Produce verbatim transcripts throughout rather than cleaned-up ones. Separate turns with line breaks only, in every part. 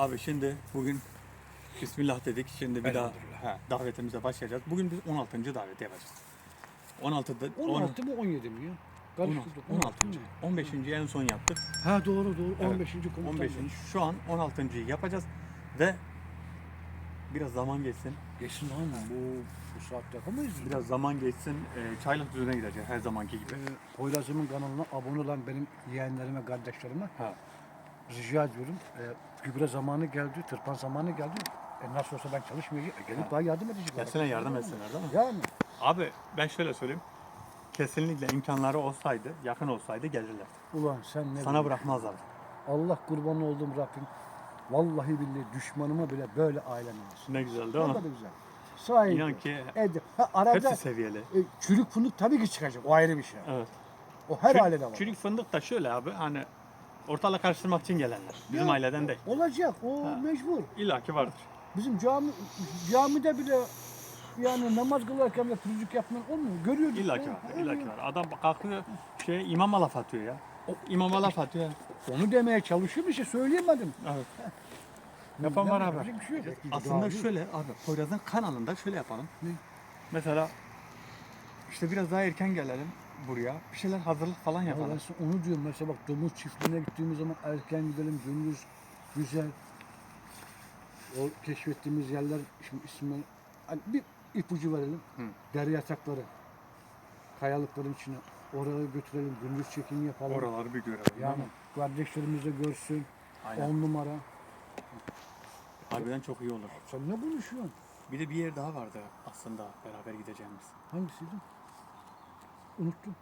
Abi şimdi bugün Bismillah dedik. Şimdi bir daha he, davetimize başlayacağız. Bugün biz on altıncı daveti yapacağız. on altıda
on altı mı on yedi mi ya? Karıştırdık.
on altıncı on beşinci en son yaptık.
Ha doğru doğru.
Evet.
on beşinci komutan.
on beşinci şu an on altıncıyı yapacağız ve biraz zaman geçsin.
Geçsin lan bu bu saatte yapamayız mı?
Biraz zaman geçsin. E, çaylık düzene gideceğiz her zamanki gibi.
Ee, Poyraz'ımın kanalına abone olan benim yeğenlerime, kardeşlerime
Ha.
rica ediyorum. Ee, gübre zamanı geldi, tırpan zamanı geldi. E, nasıl olsa ben çalışmayacağım. E, gelip daha yardım edecek.
Gelsinler yardım etsinler değil mi?
Yani.
Abi ben şöyle söyleyeyim. Kesinlikle imkanları olsaydı, yakın olsaydı gelirler.
Ulan sen ne
Sana
diyorsun?
bırakmazlar.
Allah kurban olduğum Rabbim. Vallahi billahi düşmanıma bile böyle ailem olsun.
Ne güzel
Ne
değil mi?
kadar güzel. Sahibi.
İnan ki
Edip. Ha, arada
hepsi seviyeli.
e, çürük fındık tabii ki çıkacak. O ayrı bir şey.
Evet.
O her
Çürük-
ailede var.
Çürük fındık da şöyle abi hani ortalık karıştırmak için gelenler. Bizim
Ya,
aileden değil.
Olacak. O
Ha.
mecbur.
İlla ki vardır.
Bizim cami camide bile yani namaz kılarken de pürüzlük yapmak olmuyor. Görüyoruz.
İlla ki vardır. İlla ki var. Adam kalkıyor şey imama laf atıyor ya. O imama laf atıyor. ya.
Onu demeye çalışıyor bir şey söyleyemedim.
Evet. Yapan var abi.
Yapacak bir şey yok.
Aslında
Daha
şöyle abi Poyraz'ın kanalında şöyle yapalım.
Ne?
Mesela işte biraz daha erken gelelim buraya. Bir şeyler hazırlık falan
Ya ben
yapalım.
sana onu diyorum mesela bak domuz çiftliğine gittiğimiz zaman erken gidelim gündüz güzel. O keşfettiğimiz yerler şimdi ismi hani bir ipucu verelim.
Hı.
Dere yatakları. Kayalıkların içine oraya götürelim gündüz çekimi yapalım.
Oraları bir görelim.
Yani
değil mi?
kardeşlerimiz de görsün.
Aynen.
On numara.
Harbiden çok iyi olur.
Sen ne konuşuyorsun?
Bir de bir yer daha vardı aslında beraber gideceğimiz.
Hangisiydi? Unuttum.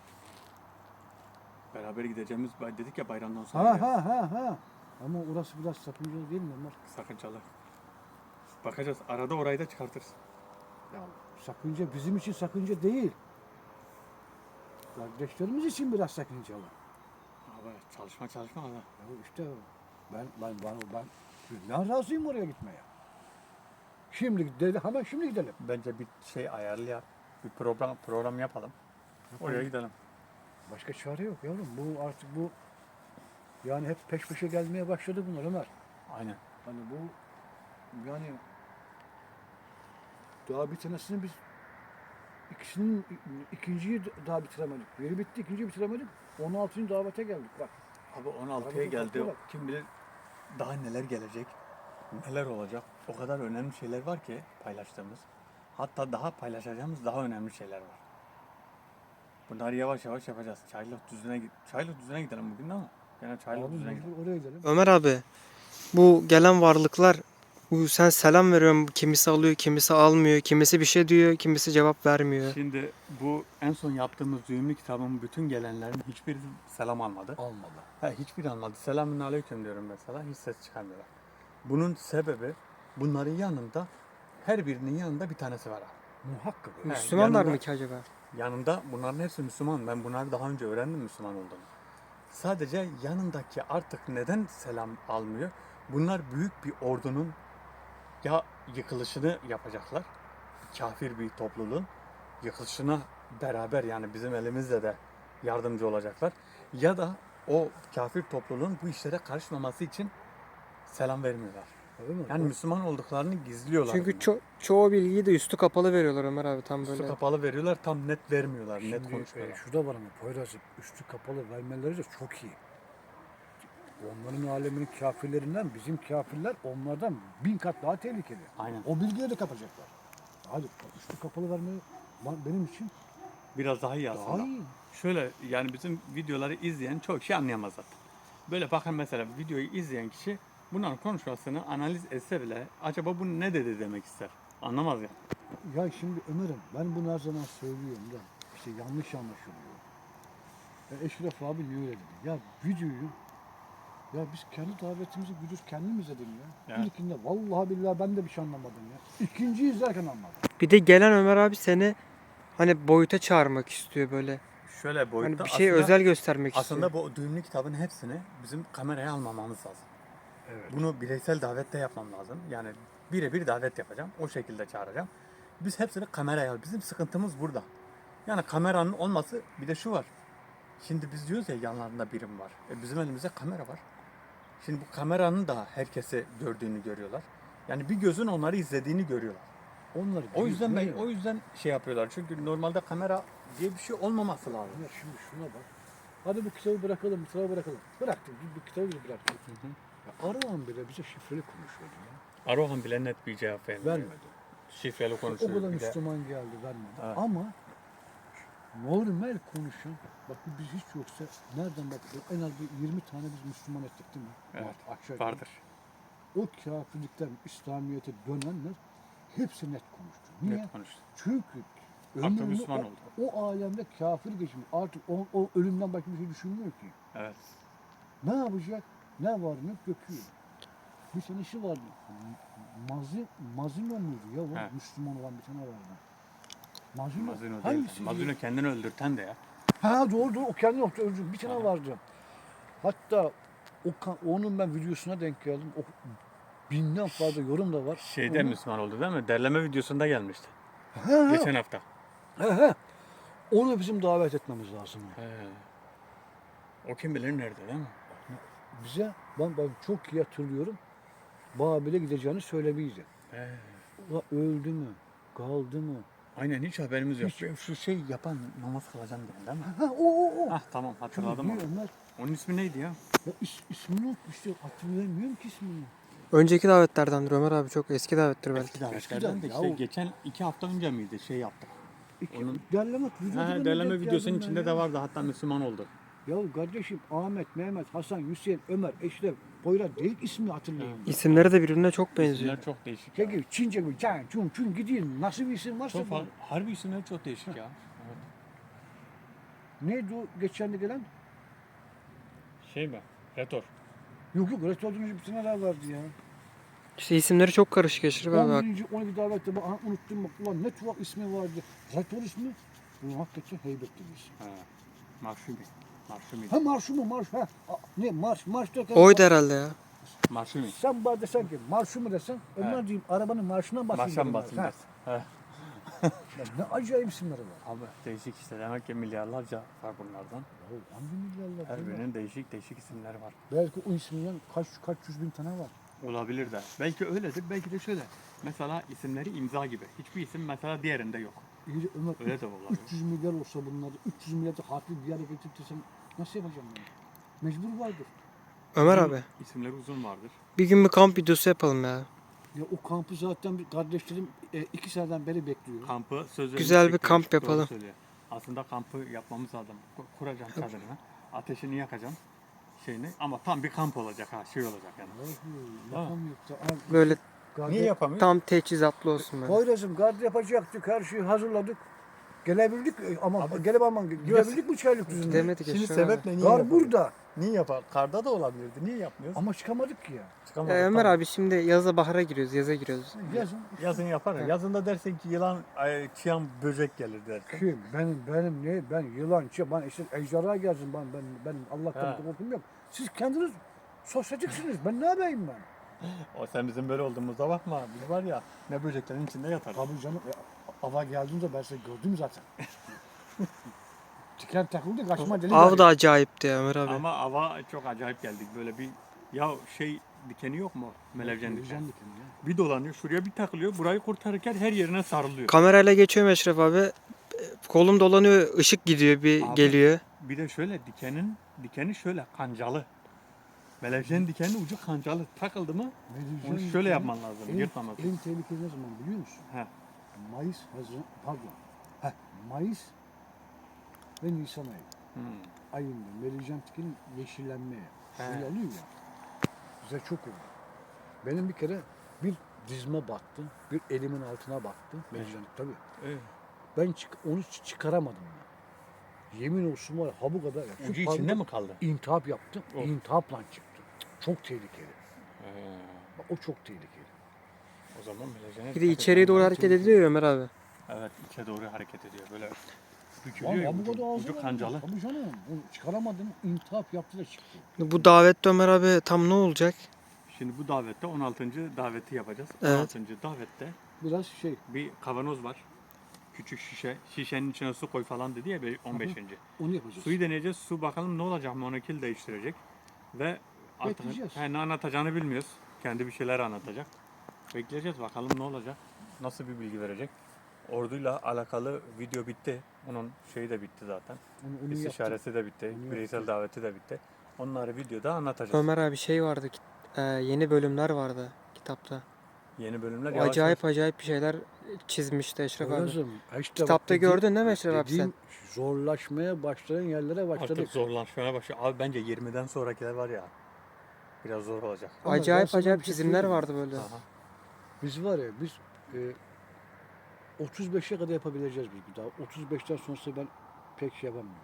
Beraber gideceğimiz dedik ya bayramdan sonra.
Ha
ya.
ha ha ha. Ama orası biraz sakıncalı değil mi Ömer?
Sakıncalı. Bakacağız. Arada orayı da çıkartırız.
Ya sakınca bizim için sakınca değil. Kardeşlerimiz için biraz sakıncalı.
Abi çalışma çalışma abi.
Ya işte ben ben ben ben ben razıyım oraya gitmeye. Şimdi gidelim hemen şimdi gidelim.
Bence bir şey ayarlayalım. Bir program program yapalım. Oraya gidelim.
Başka çare yok yavrum. Bu artık bu yani hep peş peşe gelmeye başladı bunlar Ömer.
Aynen.
Hani bu yani daha bir tanesini biz ikisinin ikinciyi daha bitiremedik. Biri bitti, ikinciyi bitiremedik. on altıncı davete geldik bak.
Abi on altıya
Arada
geldi.
bak.
Kim bilir daha neler gelecek. Neler olacak. O kadar önemli şeyler var ki paylaştığımız. Hatta daha paylaşacağımız daha önemli şeyler var. Bunları yavaş yavaş yapacağız. Çaylık düzüne git. Çaylık düzüne gidelim bugün ama. Gene çaylık
Abi
düzüne gidelim.
mecbur oraya gidelim.
Ömer abi, bu gelen varlıklar, bu sen selam veriyorsun, kimisi alıyor, kimisi almıyor, kimisi bir şey diyor, kimisi cevap vermiyor.
Şimdi bu en son yaptığımız düğümlü kitabın bütün gelenlerin hiçbiri selam almadı.
Almadı.
Ha, hiçbiri almadı. Selamün aleyküm diyorum mesela. Hiç ses çıkarmıyorlar. Bunun sebebi bunların yanında her birinin yanında bir tanesi var abi.
Muhakkak.
He,
Müslümanlar
yanında-
mı ki acaba?
Yanında bunların hepsi Müslüman. Ben bunları daha önce öğrendim Müslüman olduğunu. Sadece yanındaki artık neden selam almıyor? Bunlar büyük bir ordunun ya yıkılışını yapacaklar. Kafir bir topluluğun yıkılışına beraber yani bizim elimizle de yardımcı olacaklar. Ya da o kafir topluluğun bu işlere karışmaması için selam vermiyorlar.
Öyle mi?
Yani Müslüman olduklarını gizliyorlar.
Çünkü
bunlar.
ço- çoğu bilgiyi de üstü kapalı veriyorlar Ömer abi, tam
Üstü
böyle.
kapalı veriyorlar, tam net vermiyorlar, net
Şimdi,
konuşuyorlar.
e, şurada var ama Poyraz'ın üstü kapalı vermeleri de çok iyi. Onların aleminin kafirlerinden bizim kafirler onlardan bin kat daha tehlikeli.
Aynen.
O bilgileri de kapacaklar. Hadi üstü kapalı vermeyi benim için
Biraz daha iyi aslında.
daha iyi.
Şöyle yani bizim videoları izleyen çok şey anlayamaz zaten. Böyle bakın mesela videoyu izleyen kişi bunların konuşmasını analiz etse bile acaba bu ne dedi demek ister. Anlamaz ya.
Ya şimdi Ömer'im ben bunu her zaman söylüyorum da işte yanlış anlaşılıyor. Ya Eşref abi niye öyle dedi? Ya videoyu ya biz kendi davetimizi güdür kendim izledim ya.
Evet.
İlkinde vallahi billahi ben de bir şey anlamadım ya. İkinciyi izlerken anladım.
Bir de gelen Ömer abi seni hani boyuta çağırmak istiyor böyle.
Şöyle boyutta
Hani bir şey
aslında,
özel göstermek
aslında
istiyor.
bu düğümlü kitabın hepsini bizim kameraya almamamız lazım.
Evet.
Bunu bireysel davette yapmam lazım. Yani birebir davet yapacağım. O şekilde çağıracağım. Biz hepsini kameraya al. Bizim sıkıntımız burada. Yani kameranın olması bir de şu var. Şimdi biz diyoruz ya yanlarında birim var. E bizim elimizde kamera var. Şimdi bu kameranın da herkese gördüğünü görüyorlar. Yani bir gözün onları izlediğini görüyorlar.
Onlar
O yüzden ben
biliyor.
o yüzden şey yapıyorlar. Çünkü normalde kamera diye bir şey olmaması lazım.
Ya şimdi şuna bak. Hadi bu kitabı bırakalım, bu kitabı bırakalım. Bıraktık, bu kitabı biz bıraktık. Ya Arıhan bile bize şifreli konuşuyordu ya.
Arohan bile net bir cevap vermiyor.
Vermedi.
Şifreli
O
konuşuyor.
kadar
bir de.
Müslüman geldi vermedi.
Evet.
Ama normal konuşan, bak biz hiç yoksa nereden bak en az bir yirmi tane biz Müslüman ettik değil mi?
Evet,
Var, aşağı yukarı.
Vardır.
O kafirlikten İslamiyet'e dönenler hepsi net konuştu. Niye?
Net konuştu.
Çünkü
Artık
ömrünü
Müslüman
o,
oldu.
o alemde kafir geçmiş. Artık o, o ölümden başka bir şey düşünmüyor ki.
Evet.
Ne yapacak? Ne var ne döküyor. Bir tanesi vardı. Mazi, Mazino muydu ya o?
He.
Müslüman olan bir tane vardı. Mazino.
Mazino değil.
Hangisi?
Mazino kendini öldürten de ya.
Ha doğru doğru o kendi yoktu öldü. Bir tane
Aha.
vardı. Hatta o ka- onun ben videosuna denk geldim. O binden fazla yorum da var.
Şeyde
Onu-
Müslüman oldu değil mi? Derleme videosunda gelmişti.
He, he,
Geçen hafta.
he, he. Onu bizim davet etmemiz lazım.
He. O kim bilir nerede değil mi?
Bize ben, ben çok iyi hatırlıyorum. Babil'e gideceğini söylemeydi.
He.
Ula öldü mü? Kaldı mı?
Aynen hiç haberimiz yok.
Hiç.
Şu şey yapan namaz kılacağım diyen değil mi?
Ha o o o.
Ah tamam hatırladım onu.
Çünkü onlar
Onun ismi neydi ya?
ya is, ismini unutmuştu. Hatırlayamıyorum ki ismini.
Önceki davetlerdendir Ömer abi, çok eski davettir belki.
Eski davetlerden de
ya
işte
o-
geçen iki hafta önce miydi şey yaptık.
İki,
Onun-
derleme, videoda
Ha,
ben
derleme
denk
videosunun
geldim ben
içinde
ya.
de vardı hatta Müslüman oldu.
Ya kardeşim Ahmet, Mehmet, Hasan, Hüseyin, Ömer, Eşref, Poyraz değil ismini hatırlayayım.
İsimleri de birbirine çok benziyor.
İsimler çok değişik.
Şey
ya.
gibi Çince gibi can, çun, çun gideyim. Nasıl bir isim varsa
Çok
bu.
fazla, harbi isimler çok değişik ya. Evet.
Neydi o geçen de gelen?
Şey mi? Retor.
Yok yok restoranın bir tane daha vardı ya.
İşte isimleri çok karışık Eşref abi.
on birinci on iki davette bak aha, unuttum bak ulan ne tuhaf ismi vardı. Retor ismi. Bu hakikaten heybetli bir isim.
Ha. Marşumi. Marşumi.
Ha marş mı marş ha. A- Ne marş marş derken.
Oydu herhalde ya.
Marşumi.
Sen bana desen ki marşı mı desen onlar diyeyim arabanın marşına basayım.
Marşan
derim ben.
basın
Ha,
dersin. He.
ya ne acayip isimleri var.
Abi değişik işte demek ki milyarlarca var bunlardan.
Ya hangi milyarlar?
Her
değil mi?
birinin değişik değişik isimleri var.
Belki o isminden kaç kaç yüz bin tane var.
Olabilir de. Belki öyledir, belki de şöyle. Mesela isimleri imza gibi. Hiçbir isim mesela diğerinde yok.
İyi de Ömer
Öyle de olabilir.
üç yüz milyar olsa bunlarda üç yüz milyar da harfli bir yere getirtirsem nasıl yapacağım ben? Mecbur vardır.
Ömer
Uzun-
abi,
İsimleri uzun vardır.
bir gün bir kamp videosu yapalım ya.
Ya o kampı zaten bir kardeşlerim e, iki seneden beri bekliyor.
Kampı söz
Güzel bir
vermiştik,
kamp
doğru
yapalım.
söylüyor. Aslında kampı yapmamız lazım. Ku- Kuracağım çadırını. Ateşini yakacağım. Şeyini. Ama tam bir kamp olacak ha. Şey olacak yani.
Vallahi yapamıyor da. Abi,
Böyle
gardı-
Niye yapamıyor?
tam teçhizatlı olsun böyle.
Poyraz'ım gardı yapacaktık her şeyi hazırladık. Gelebildik e, ama gelip ama gidebildik mi Çaylıklı'nda?
Gidemedik
Şimdi
Eşref abi.
sebeple niye
Gar
yapamıyor?
burada
Niye yapar? Karda da olabilirdi. Niye yapmıyoruz?
ama çıkamadık ki ya.
Çıkamadık,
Ya Ömer
tamam.
abi şimdi yaza bahara giriyoruz, yaza giriyoruz.
Yazın.
Yazın yaparız. Yazında dersin ki yılan, ay, çıyan böcek gelir dersin.
Kim? Benim benim ne? Ben yılan, çi- ben işte ejderha gelsin ben ben benim Allah'tan
Ha.
korkum yok. Siz kendiniz sosyetiksiniz. Ben ne yapayım ben?
O sen bizim böyle olduğumuza bakma. Biz var ya ne böceklerin içinde yatarız.
Tabii canım. E, ava geldiğinde ben seni gördüm zaten. Tiken takıldı kaçma deli.
Av da acayipti ya Ömer abi.
Ama ava çok acayip geldik. Böyle bir ya şey dikeni yok mu? Melevcen dikeni.
Melevcen dikeni ya.
Bir dolanıyor şuraya bir takılıyor. Burayı kurtarırken her yerine sarılıyor.
Kamerayla geçiyorum Eşref abi. E, Kolum dolanıyor, ışık gidiyor, bir
Abi.
geliyor.
Bir de şöyle dikenin dikeni şöyle kancalı. Melevcen dikenin ucu kancalı. Takıldı mı
Melevcen
onu
dikeni
şöyle yapman lazım.
En,
Yırtmamak.
en tehlikeli ne zaman biliyor musun?
He.
Mayıs, Haziran, pardon. Heh, Mayıs ve Nisan ayı.
Hmm.
Ayında melevcen dikenin yeşillenmeye.
He.
Şuraya alıyor ya. Bize çok oldu. Benim bir kere bir dizme battı. Bir elimin altına battı. Melevcen tabii.
Evet.
Ben çık, onu çı- çıkaramadım ben. Yemin olsun var ya, ha bu kadar. Ya. Şu
Ucu
parmak-
içinde mi kaldı?
İntihap yaptım.
Of.
İntihapla çıktı. Çok tehlikeli.
He.
Bak, o çok tehlikeli.
O zaman melevcene
Bir de
dikkat
içeriye
etmen
doğru
lazım.
hareket ediliyor ya Ömer abi.
Evet içe doğru hareket ediyor. Böyle
Lan
bükülüyor ya.
ha bu
Ucu,
kadar ağzı
ucu
var.
kancalı.
Tabii canım. Onu çıkaramadım. İntihap yaptı da çıktı.
Bu davette Ömer abi tam ne olacak?
Şimdi bu davette on altıncı daveti yapacağız.
Evet.
on altıncı davette
Biraz şey.
bir kavanoz var. Küçük şişe. Şişenin içine su koy falan dedi ya on beşinci
Onu yapacağız.
Suyu deneyeceğiz. Su bakalım ne olacak? Monokil değiştirecek. Ve Artık
Bekleyeceğiz.
he, ne anlatacağını bilmiyoruz. Kendi bir şeyler anlatacak. Bekleyeceğiz bakalım ne olacak. Nasıl bir bilgi verecek. Orduyla alakalı video bitti. Onun şeyi de bitti zaten.
Onu, onu yaptık.
İstişaresi de bitti.
Onu
Bireysel
yaptık.
daveti de bitti. Onları videoda anlatacağız.
Ömer abi şey vardı. kit- e, yeni bölümler vardı kitapta.
Yeni bölümler
O
yavaş
acayip
yavaş.
acayip bir şeyler çizmişti Eşref abi.
Poyraz'ım, işte
Kitapta
bak,
gördün değil mi Eşref abi
dediğim zorlaşmaya başlayan yerlere başladık.
Artık zorlaşmaya başlıyor. Abi bence yirmiden sonrakiler var ya. Biraz zor olacak.
Ama ben
Acayip
sana
acayip
bir şey
çizimler
söyleyeyim mi?
vardı böyle.
Aha.
Biz var ya biz e, otuz beşe kadar yapabileceğiz biz bir daha. otuz beşten sonrası ben pek şey yapamıyorum.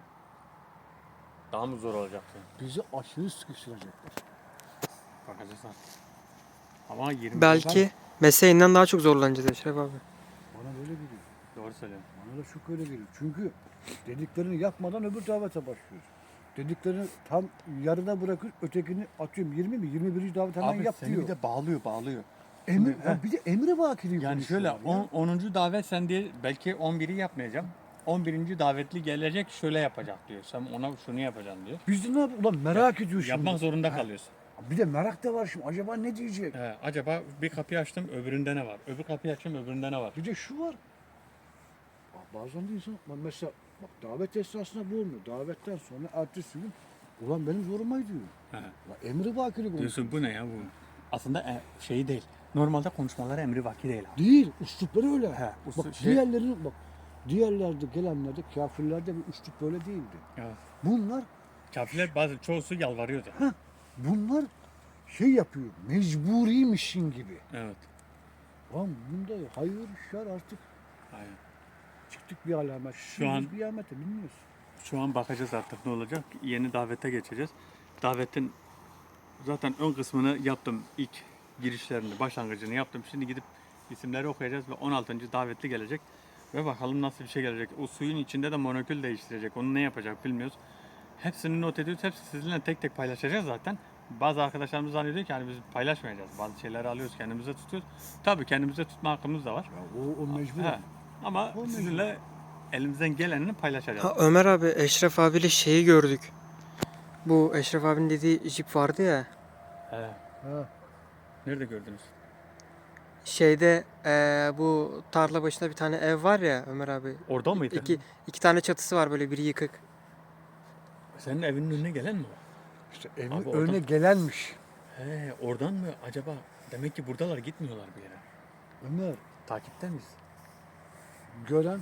Daha mı zor olacak?
Bizi aşırı sıkıştıracaklar.
Bakacağız artık. Ama yirmi
Belki mesleğinden daha çok zorlanacağız Eşref abi.
Bana böyle geliyor.
Doğru söylüyorsun.
Bana da çok öyle geliyor. Çünkü dediklerini yapmadan öbür davete başlıyoruz. Dediklerini tam yarıda bırakır, ötekini atıyorum yirmi mi? yirmi birinci davet hemen
Abi
yap
seni
diyor.
bir de bağlıyor bağlıyor.
Emir,
Şimdi,
ya bir de emri vakili
Yani şöyle
konuşuyorlar ya.
on, onuncu davet sen diye belki on biri yapmayacağım. on birinci davetli gelecek şöyle yapacak diyor. Sen ona şunu yapacaksın diyor.
Biz de ne yapalım? Ulan merak ediyor şimdi.
Yapmak zorunda
Ha,
kalıyorsun.
Bir de merak da var şimdi. Acaba ne diyecek?
He, acaba bir kapıyı açtım öbüründe ne var? Öbür kapıyı açtım öbüründe ne var?
Bir de şu var. Bak bazen de insan bak mesela bak davet esnasında bu olmuyor. Davetten sonra ertesi gün ulan benim zoruma gidiyor.
He.
Ulan emri vakili konuşuyor.
Diyorsun bu ne ya bu? Aslında e, şey değil. Normalde konuşmalar emri vaki değil abi.
Değil. Üslupları öyle.
He, uslu-
bak
şey-
diğerlerinin bak diğerlerde gelenlerde kafirlerde bir üslup böyle değildi.
Evet.
Bunlar
Kafirler bazı çoğusu yalvarıyordu.
bunlar şey yapıyor. Mecburiymişin gibi.
Evet.
Lan bunda hayır şer artık
Aynen.
çıktık bir alamet.
Şu an-
bir alamete bilmiyoruz.
Şu an bakacağız artık ne olacak. Yeni davete geçeceğiz. Davetin zaten ön kısmını yaptım. İlk girişlerini, başlangıcını yaptım. Şimdi gidip isimleri okuyacağız ve on altıncı davetli gelecek. Ve bakalım nasıl bir şey gelecek. O suyun içinde de molekül değiştirecek. Onu ne yapacak bilmiyoruz. Hepsini not ediyoruz. Hepsi sizinle tek tek paylaşacağız zaten. Bazı arkadaşlarımız zannediyor ki hani biz paylaşmayacağız. Bazı şeyleri alıyoruz kendimize tutuyoruz. Tabii kendimize tutma hakkımız da var.
Ya o, o mecbur.
He. Ama
O mecbur.
sizinle elimizden gelenini paylaşacağız.
Ha Ömer abi Eşref abiyle şeyi gördük. Bu Eşref abinin dediği jip vardı ya.
He.
Ha.
Nerede gördünüz?
Şeyde eee, bu tarla başında bir tane ev var ya Ömer abi.
Orada mıydı?
İki, iki tane çatısı var böyle biri yıkık.
Senin evinin önüne gelen mi var?
İşte evin
Abi
önüne
oradan-
gelenmiş.
He, oradan mı acaba? Demek ki buradalar gitmiyorlar bir yere.
Ömer
Takipte miyiz?
gören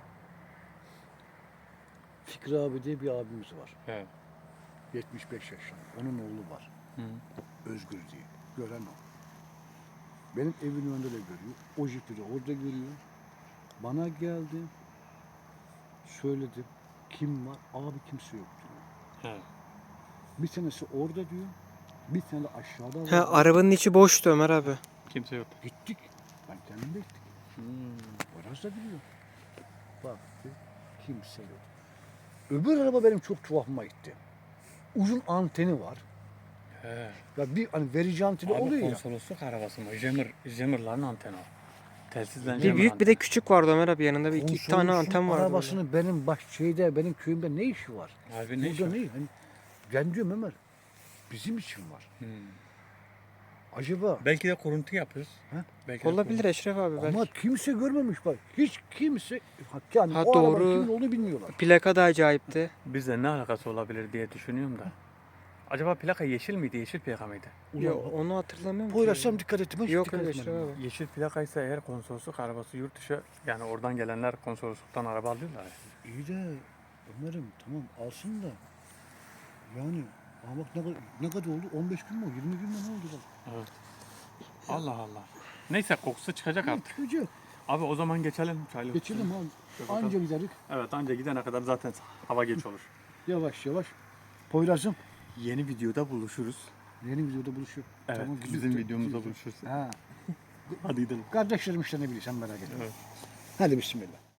Fikri abi diye bir abimiz var.
He.
yetmiş beş yaşında. Onun oğlu var.
Hı.
Özgür diye. Gören o. Benim evin önünde de görüyor. O jipi de orada görüyor. Bana geldi. Söyledim. Kim var? Abi kimse yok diyor.
He.
Bir tanesi orada diyor. Bir tane de aşağıda var.
Ha arabanın içi boştu Ömer abi.
Kimse yok.
Gittik. Ben kendim de gittik.
Hmm.
Biraz da biliyor. Baktı. Kimse yok. Öbür araba benim çok tuhafıma gitti. Uzun anteni var.
He.
Ya bir hani verici anteni
Abi
oluyor ya.
konsolosluk arabası mı? Jammer, jammerların anteni o. Telsizden
Bir
jammer
büyük bir de
anteni.
küçük vardı Ömer abi yanında bir iki, iki tane
Konsolosun
anten vardı. böyle.
arabasının benim baş şeyde benim köyümde ne işi var?
Abi ne iş
Burada
var?
ne? Hani, ben diyorum Ömer bizim için var.
Hmm.
Acaba
Belki de kuruntu yapıyoruz.
He?
Belki de
Olabilir Eşref abi belki.
ama kimse görmemiş bak. Hiç kimse yani
Ha,
o
doğru.
arabanın kimin olduğunu bilmiyorlar.
Plaka da acayipti.
Bizle ne alakası olabilir diye düşünüyorum da. Acaba plaka yeşil miydi? Yeşil plaka mıydı?
Yo,
Ulan,
onu hatırlamıyorum ki.
Poyraz'ım dikkat ettim. Hiç
Yok
dikkat
öyle
etmedim.
Eşref abi.
Yeşil plakaysa eğer konsolosluk arabası yurt dışı yani oradan gelenler konsolosluktan araba alıyorlar. ya.
İyi de Ömer'im tamam alsın da yani ama bak ne kadar, ne kadar oldu? on beş gün mü? yirmi gün mü ne oldu bak?
Evet. Allah Allah. Neyse kokusu çıkacak artık.
Çıkacak.
Abi o zaman geçelim çaylı.
Geçelim abi.
bakalım.
Anca giderik.
Evet anca gidene kadar zaten hava geç olur.
Yavaş yavaş. Poyraz'ım
Yeni videoda buluşuruz.
yeni videoda buluşuyor.
Evet
Tamam, güzel,
bizim
güzel,
videomuzda
güzel.
buluşuruz.
Ha.
Hadi gidelim.
Kardeşlerim işte ne bileyim sen merak etme.
Evet.
Hadi bismillah.